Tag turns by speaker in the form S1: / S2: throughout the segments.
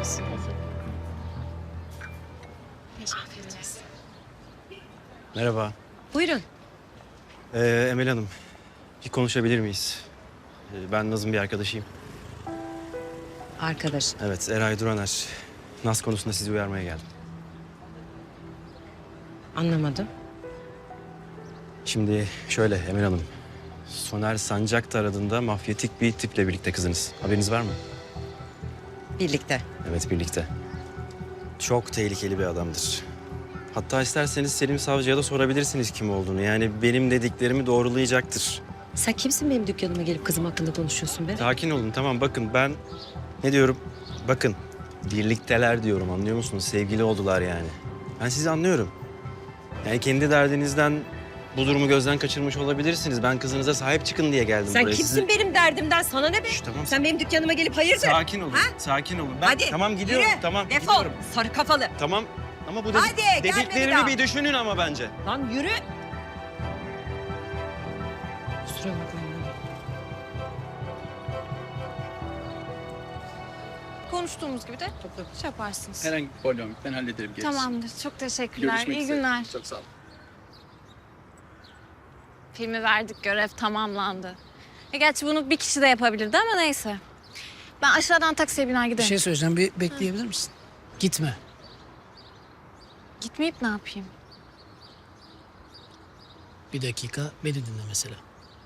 S1: olsun.
S2: Afiyet olsun.
S3: Merhaba.
S2: Buyurun.
S3: Emel Hanım, bir konuşabilir miyiz? Ben Naz'ın bir arkadaşıyım.
S2: Arkadaş.
S3: Evet, Eray Duraner. Naz konusunda sizi uyarmaya geldim.
S2: Anlamadım.
S3: Şimdi şöyle Emel Hanım. Soner Sancaktar adında mafyatik bir tiple birlikte kızınız. Haberiniz var mı?
S2: Birlikte.
S3: Evet, birlikte. Çok tehlikeli bir adamdır. Hatta isterseniz Selim Savcı'ya da sorabilirsiniz kim olduğunu. Yani benim dediklerimi doğrulayacaktır.
S2: Sen kimsin benim dükkanıma gelip kızım hakkında konuşuyorsun be?
S3: Sakin olun, tamam. Bakın ben ne diyorum? Bakın, birlikteler diyorum, anlıyor musunuz? Sevgili oldular yani. Ben sizi anlıyorum. Yani kendi derdinizden bu durumu gözden kaçırmış olabilirsiniz. Ben kızınıza sahip çıkın diye geldim
S2: Sen
S3: buraya.
S2: kimsin benim derdimden? Sana ne be?
S3: Şş, tamam.
S2: Sen benim dükkanıma gelip hayırdır?
S3: Sakin olun,
S2: Ha?
S3: sakin olun. Ben
S2: Hadi,
S3: tamam gidiyorum,
S2: yürü,
S3: tamam
S2: defol.
S3: gidiyorum.
S2: Sarı kafalı.
S3: Tamam ama bu
S2: Hadi, gelme bir
S3: dediklerimi
S2: daha.
S3: bir düşünün ama bence.
S2: Lan yürü. Kusura bakma.
S1: Konuştuğumuz gibi de şey yaparsınız.
S4: Herhangi bir problem yok. Ben hallederim gerisini.
S1: Tamamdır. Çok teşekkürler.
S4: Görüşmek
S1: İyi
S4: üzere.
S1: günler.
S4: Çok sağ olun.
S1: Filmi verdik. Görev tamamlandı. Gerçi bunu bir kişi de yapabilirdi ama neyse. Ben aşağıdan taksiye biner
S5: Bir
S1: giderim.
S5: şey söyleyeceğim. Bir bekleyebilir misin? Gitme.
S1: Gitmeyip ne yapayım?
S5: Bir dakika beni dinle mesela.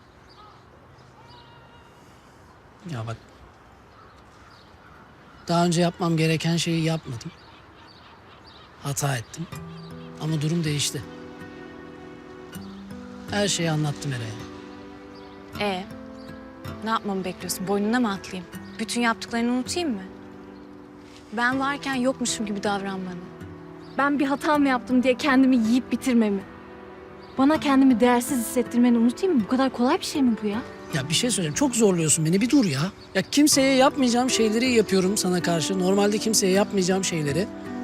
S5: Ya bak. Daha önce yapmam gereken şeyi yapmadım. Hata ettim. Ama durum değişti. Her şeyi anlattım Eray'a.
S1: Ne yapmamı bekliyorsun? Boynuna mı atlayayım? Bütün yaptıklarını unutayım mı? Ben varken yokmuşum gibi davran bana. Ben bir hata mı yaptım diye kendimi yiyip bitirmemi. Bana kendimi değersiz hissettirmeni unutayım mı? Bu kadar kolay bir şey mi bu ya?
S5: Ya bir şey söyleyeceğim. Çok zorluyorsun beni. Bir dur ya. Ya kimseye yapmayacağım şeyleri yapıyorum sana karşı. Normalde kimseye yapmayacağım şeyleri.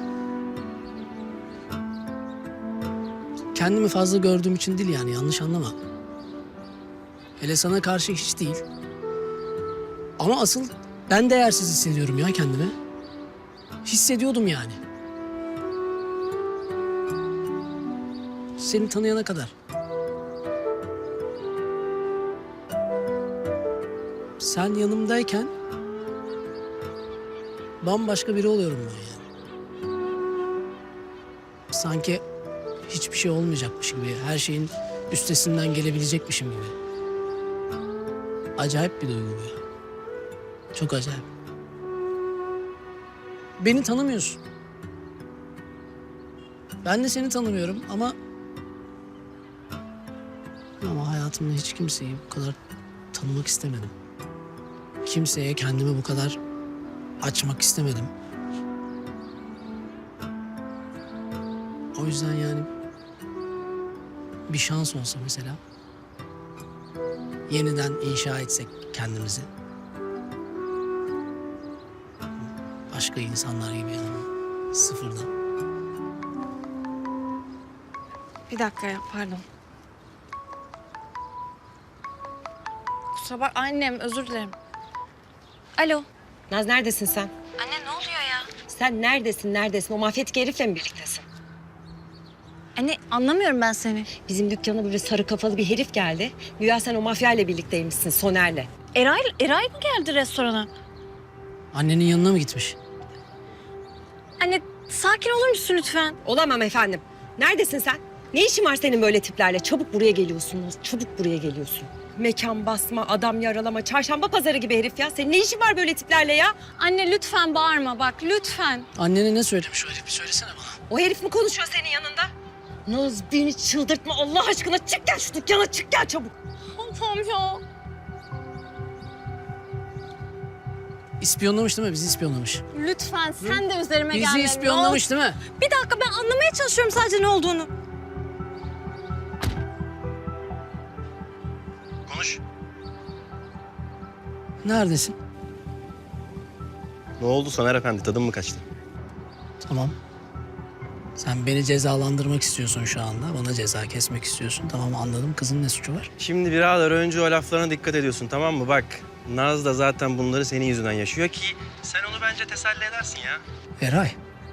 S5: Kendimi fazla gördüğüm için değil yani. Yanlış anlama. Hele sana karşı hiç değil. Ama asıl ben değersiz hissediyorum ya kendimi. Hissediyordum yani. Seni tanıyana kadar. Sen yanımdayken bambaşka biri oluyorum ben yani. Sanki hiçbir şey olmayacakmış gibi, her şeyin üstesinden gelebilecekmişim gibi. Acayip bir duygu bu ya. Çok acayip. Beni tanımıyorsun. Ben de seni tanımıyorum ama hayatımda hiç kimseyi bu kadar tanımak istemedim. Kimseye kendimi bu kadar açmak istemedim. O yüzden yani bir şans olsa mesela yeniden inşa etsek kendimizi. Başka insanlar gibi yani sıfırdan.
S1: Bir dakika ya, pardon. Kusura bak annem, özür dilerim. Alo.
S2: Naz neredesin sen?
S1: Anne ne oluyor ya?
S2: Sen neredesin? O mafyatik herifle mi birliktesin?
S1: Anne anlamıyorum ben seni.
S2: Bizim dükkana böyle sarı kafalı bir herif geldi. Güya sen o mafyayla birlikteymişsin, Soner'le.
S1: Eray mı geldi restorana?
S5: Annenin yanına mı gitmiş?
S1: Anne sakin olur musun lütfen?
S2: Olamam efendim. Neredesin sen? Ne işin var senin böyle tiplerle? Çabuk buraya geliyorsun Naz, çabuk buraya geliyorsun. Mekan basma, adam yaralama, çarşamba pazarı gibi herif ya. Senin ne işin var böyle tiplerle ya?
S1: Anne lütfen bağırma bak lütfen.
S5: Annene ne söylemiş o herif? Bir söylesene bana.
S2: O herif mi konuşuyor senin yanında? Naz beni çıldırtma Allah aşkına. Çık gel şu dükkana, çık gel çabuk.
S1: Allah'ım ya.
S5: İspiyonlamış değil mi? Bizi ispiyonlamış.
S1: Lütfen sen de üzerime gelme.
S5: Bizi
S1: Ne
S5: ispiyonlamış değil mi?
S1: olur. Bir dakika ben anlamaya çalışıyorum sadece ne olduğunu.
S3: Konuş.
S5: Neredesin?
S3: Ne oldu Soner Efendi, tadın mı kaçtı?
S5: Tamam. Sen beni cezalandırmak istiyorsun şu anda. Bana ceza kesmek istiyorsun. Tamam anladım. Kızın ne suçu var?
S3: Şimdi birader önce o laflarına dikkat ediyorsun, tamam mı? Bak, Naz da zaten bunları senin yüzünden yaşıyor ki sen onu bence teselli edersin ya.
S5: Eray.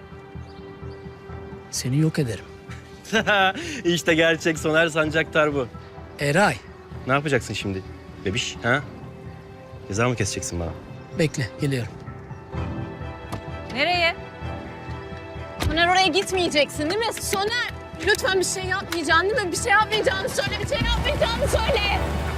S5: Seni yok ederim.
S3: İşte gerçek Soner Sancaktar bu.
S5: Eray.
S3: Ne yapacaksın şimdi bebiş ha? Ceza mı keseceksin bana?
S5: Bekle, geliyorum.
S1: Nereye? Soner oraya gitmeyeceksin değil mi? Soner! Lütfen bir şey yapmayacaksın değil mi? Bir şey yapmayacağını söyle, bir şey yapmayacağını söyle.